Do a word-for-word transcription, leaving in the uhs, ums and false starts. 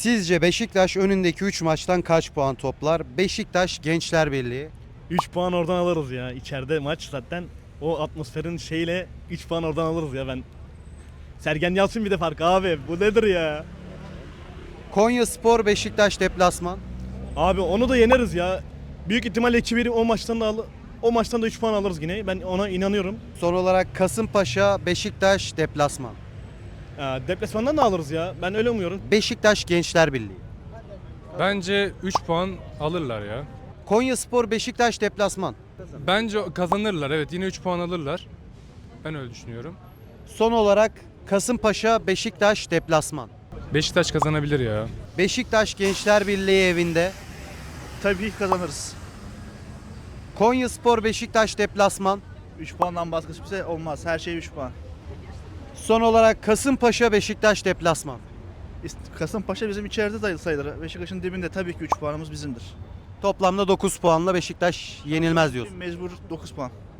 Sizce Beşiktaş önündeki üç maçtan kaç puan toplar? Beşiktaş Gençler Birliği. üç puan oradan alırız ya. İçeride maç zaten o atmosferin şeyle üç puan oradan alırız ya ben. Sergen Yalçın bir de fark abi. Bu nedir ya? Konyaspor Beşiktaş deplasman. Abi onu da yeneriz ya. Büyük ihtimalle iki bir o maçtan da al o maçtan da üç puan alırız yine. Ben ona inanıyorum. Son olarak Kasımpaşa Beşiktaş deplasman. Ya, deplasmandan da alırız ya. Ben öyle umuyorum. Beşiktaş Gençler Birliği. Bence üç puan alırlar ya. Konyaspor Beşiktaş deplasman. Bence kazanırlar, evet, yine üç puan alırlar. Ben öyle düşünüyorum. Son olarak Kasımpaşa Beşiktaş deplasman. Beşiktaş kazanabilir ya. Beşiktaş Gençler Birliği evinde. Tabii ki kazanırız. Konyaspor Beşiktaş deplasman. üç puandan başka hiçbir şey olmaz. Her şey üç puan. Son olarak Kasımpaşa Beşiktaş deplasman. İst- Kasımpaşa bizim içeride dayı sayılır. Beşiktaş'ın dibinde tabii ki üç puanımız bizimdir. Toplamda dokuz puanla Beşiktaş yenilmez diyorsun. Mecbur dokuz puan.